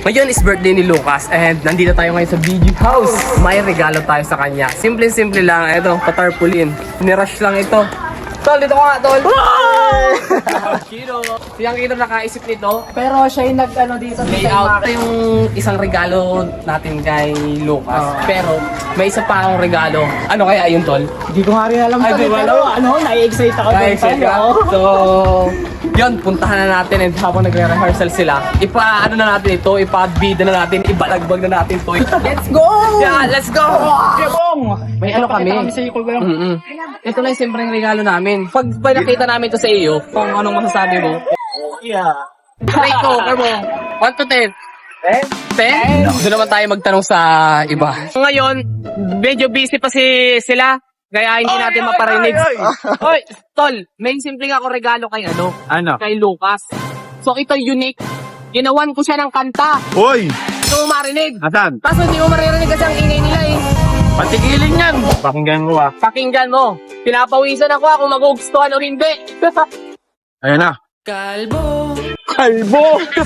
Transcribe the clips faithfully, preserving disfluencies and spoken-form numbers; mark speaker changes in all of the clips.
Speaker 1: Ngayon is birthday ni Lucas and nandito tayo ngayon sa B G House. May regalo tayo sa kanya. Simple-simple lang. Ito, patarpaulin. Nirush lang ito. Tol, dito ko nga, Tol. Kino. Siyang Kino nakaisip nito.
Speaker 2: Pero siya yung nag-ano dito.
Speaker 1: Layout. Ito yung isang regalo natin kay Lucas.
Speaker 2: Oh.
Speaker 1: Pero may isa pa akong regalo. Ano kaya yun, Tol?
Speaker 2: Hindi ko nga rin alam.
Speaker 1: Ay,
Speaker 2: Ay,
Speaker 1: di ba?
Speaker 2: pero ano, nai-excite ako.
Speaker 1: Ay,
Speaker 2: doon,
Speaker 1: shit,
Speaker 2: Tol, oh.
Speaker 1: So, yun, puntahan na natin and habang nagre-rehearsal sila, ipa-ano na natin ito, ipa-bida na natin, ibalagbag na natin ito.
Speaker 2: Let's go!
Speaker 1: Yeah, let's go!
Speaker 2: Kebong!
Speaker 1: May ano kami?
Speaker 2: Pakita kami sa iyo, Kuya.
Speaker 1: Mm-mm. Ito lang yung simpleng regalo namin. Pag pag nakita namin to sa iyo, kung anong masasabi mo,
Speaker 2: Yeah.
Speaker 1: try ko, kamo. one to ten.
Speaker 2: Eh?
Speaker 1: ten? Doon naman tayo magtanong sa iba. Ngayon, medyo busy pa si sila. Kaya hindi natin maparinig. Oy, tol, may simpleng ako regalo kay ano?
Speaker 3: Ano?
Speaker 1: Kay Lucas. So ito unique. Ginawan ko siya ng kanta.
Speaker 3: Hoy!
Speaker 1: Hindi mo marinig.
Speaker 3: Asan?
Speaker 1: Kaso hindi mo maririnig kasi ang ingay nila eh.
Speaker 3: Patigilin yan! Pakinggan ko ah.
Speaker 1: Pakinggan mo. Pinapawisan ako kung magugustuhan o hindi.
Speaker 3: Ayan na.
Speaker 1: Kalbo.
Speaker 3: Kalbo!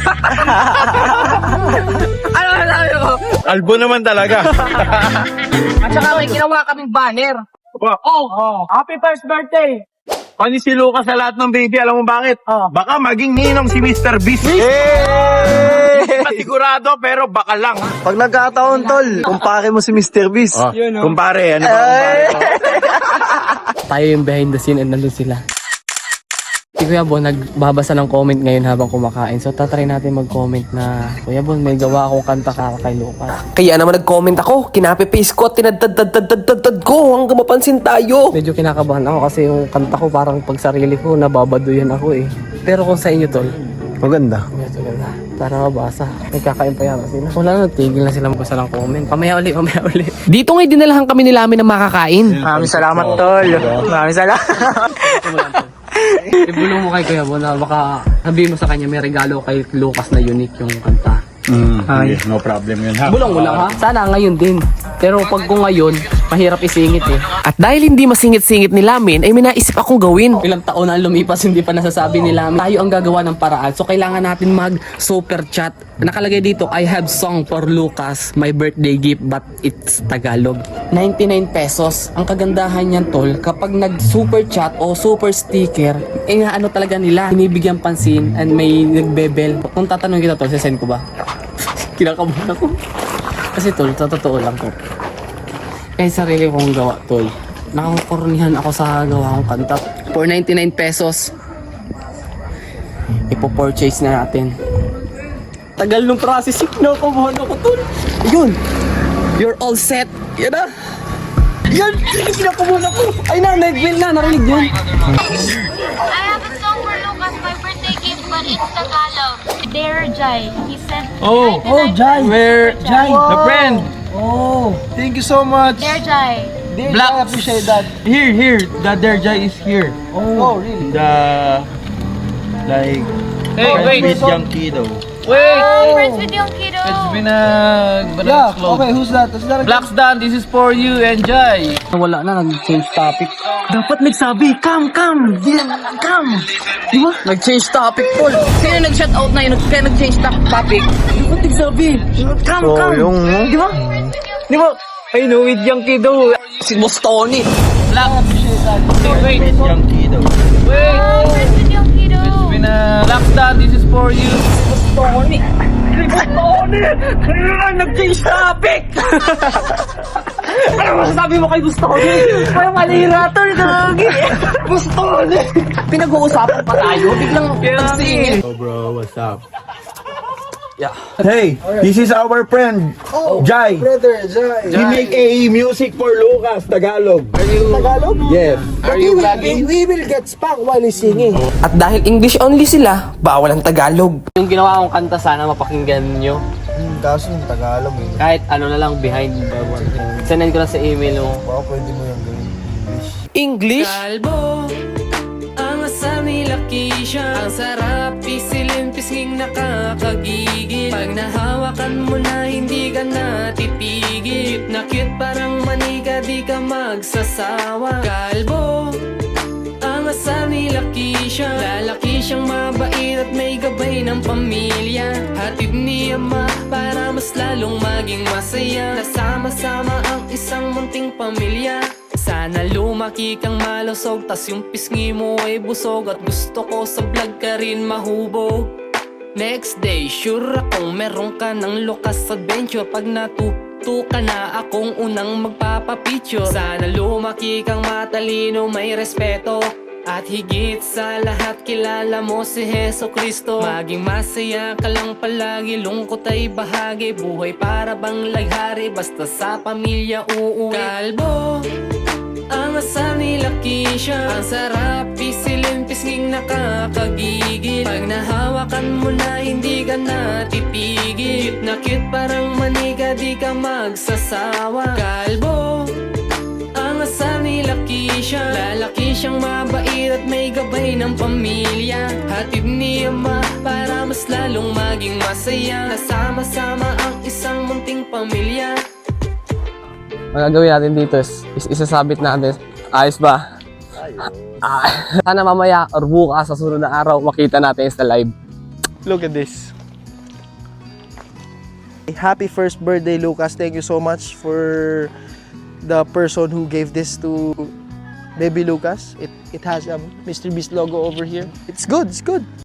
Speaker 1: Ano na sabi ko?
Speaker 3: Kalbo naman talaga.
Speaker 1: At saka may ginawa kaming banner.
Speaker 3: Ba-
Speaker 1: Oh,
Speaker 2: Oh, happy first birthday!
Speaker 3: Pani si Lucas sa lahat ng baby, alam mo bakit?
Speaker 2: Oh.
Speaker 3: Baka maging ninong si mister Beast. Hindi pa sigurado, pero baka lang.
Speaker 4: Pag nagkataon, tol, kumpare mo si mister Beast.
Speaker 3: Oh,
Speaker 2: Yun, oh.
Speaker 3: kumpare, ano ba kumpare ko?
Speaker 1: tayo yung behind the scene and nandun sila. Si Kuya Bon nagbabasa ng comment ngayon habang kumakain. So tatry natin mag-comment na Kuya Bon, may gawa akong kanta ka kay Lucas.
Speaker 5: Kaya naman nag-comment ako, kinape-paste ko at tinadadadadadadad ko hanggang mapansin tayo.
Speaker 1: Medyo kinakabahan ako kasi yung kanta ko parang pag sarili ko nababaduyan ako eh. Pero kung sa inyo tol,
Speaker 4: Maganda.
Speaker 1: medyo ganda. Para mabasa. Nagkakain pa yata sila. Wala na, tigil na sila magbasa ng comment. Pamaya uli, pamaya uli.
Speaker 5: Dito nga'y dinalahan kami nila amin ng makakain.
Speaker 2: Maraming salamat, tol. Maraming salamat.
Speaker 1: Ibulong mo kay Kuya Bon na baka sabihin mo sa kanya may regalo kay Lucas na unique yung kanta.
Speaker 3: Mm, okay, no problem yun ha.
Speaker 1: Bulong mo lang ha? Sana ngayon din. Pero pag ko ngayon, mahirap isingit eh.
Speaker 5: At dahil hindi masingit-singit ni Lamin, ay may naisip akong gawin.
Speaker 1: Ilang taon na lumipas, hindi pa nasasabi nila. Tayo ang gagawa ng paraan. So kailangan natin mag super chat. Nakalagay dito, I have song for Lucas, my birthday gift, but it's Tagalog. ninety-nine pesos. Ang kagandahan niyan tol, kapag nag super chat o super sticker, eh nga ano talaga nila, binibigyan pansin and may nagbebel. Kung tatanong kita tol, sasend ko ba? Kinakabahan ako. Kasi tol, sa totoo lang ko. Kahit sarili kong gawa tol, nakakornihan ako sa gawa kong kanta. For ninety-nine pesos, ipo-purchase na natin. Tagal nung processing na ako, buwan ako tol. Ayun, you're all set. Yan na. Yan, kinakabahan ako. Ay na, nag-win na, narinig yun.
Speaker 6: I have a song for Lucas, my birthday gift, but it's Tagalog. Dear Jai, he sent me
Speaker 3: Oh,
Speaker 2: Oh, Jai.
Speaker 3: where?
Speaker 2: Jai.
Speaker 3: The friend.
Speaker 2: Oh.
Speaker 4: Thank you so much.
Speaker 6: Dear Jai.
Speaker 2: Dear
Speaker 3: Black.
Speaker 2: Jai, appreciate that.
Speaker 3: Here, here. The Derja is here.
Speaker 2: Oh, really?
Speaker 3: The... Like...
Speaker 1: Hey, wait.
Speaker 3: With young kiddo.
Speaker 1: Wait!
Speaker 6: Oh, friends with yung kiddo.
Speaker 3: been a...
Speaker 2: Yeah, okay, who's that? Who's that?
Speaker 3: Dan, this is for you, enjoy.
Speaker 1: Wala na, nag-change topic. Dapat nagsabi, come, come, yeah, come. Di ba? Nag-change topic, Paul. Sino nag-shout out na yun? Kaya nag-change to- topic? Dapat nagsabi, come,
Speaker 4: Oh,
Speaker 1: come.
Speaker 4: yung...
Speaker 1: Di ba? Di ba?
Speaker 3: I know, with young kiddo.
Speaker 1: Si Boss Tony.
Speaker 3: Black. Wait, with young kiddo.
Speaker 6: Oh, friends with yung kiddo.
Speaker 3: Been a... Black Dan, this is for you.
Speaker 1: Tony. Si Boss Tony. Nag-change topic. Ano masasabi mo kay Boss Tony? Parang malihira to, gagi. Boss Tony. Pinag-uusapan pa tayo. Biglang nagsingit.
Speaker 3: Oh bro, what's up?
Speaker 1: Yeah.
Speaker 3: Hey, this is our friend, Jai.
Speaker 2: Brother, Jai.
Speaker 3: He make a music for Lucas, Tagalog.
Speaker 2: Tagalog?
Speaker 3: Yes.
Speaker 2: Are you vlogging? We will get spanked while he's singing.
Speaker 5: At dahil English only sila, bawal ang Tagalog.
Speaker 1: Yung ginawa kong kanta, sana mapakinggan nyo.
Speaker 4: Hmm, kaso yung Tagalog eh.
Speaker 1: Kahit ano na lang behind the one. Send ko na sa email mo.
Speaker 4: Baka pwede mo yung gawin
Speaker 5: English?
Speaker 4: English.
Speaker 5: Kalbo, ang asal nila Keisha. Ang sarap, pisilin, pisnging nakakagigil. Pag nahawakan mo na, hindi ka natitigil. Cute na cute, parang manika, di ka magsasawa. Kalbo, ang Ang asal ni Lakeisha, lalaki siyang mabait at may gabay ng pamilya. Hatid ni Ama para mas lalong maging masaya. Nasama-sama ang isang munting pamilya. Sana lumaki kang malusog, tas yung pisngi mo ay busog. At gusto ko sa vlog ka rin mahubog. Next day, sure akong meron ka ng Lucas Adventure. Pag natuto ka na, akong unang magpapapicture. Sana lumaki kang matalino, may respeto. At higit sa lahat, kilala mo si Heso Kristo. Maging masaya ka lang palagi, lungkot ay bahagi. Buhay para bang laghari, basta sa pamilya uuwi. Kalbo, ang asal ni Lakeisha, ang sarap pisilin, pisnging nakakagigil. Pag nahawakan mo na, hindi ka na titigil. Cute na cute, parang manika, di ka magsasawa. Kalbo, ang asal ni Lakeisha, lalaki siyang mabait at may gabay ng pamilya. Hatid ni Ama para mas lalong maging masaya. Nasama-sama ang isang munting pamilya.
Speaker 1: Ang gagawin natin dito is, is isasabit natin. Ayos ba? Ah, sana mamaya or bukas sa sunod na araw makita natin sa live.
Speaker 4: Look at this. Happy first birthday, Lucas. Thank you so much for the person who gave this to baby Lucas. It it has a Mister Beast logo over here. It's good. It's good.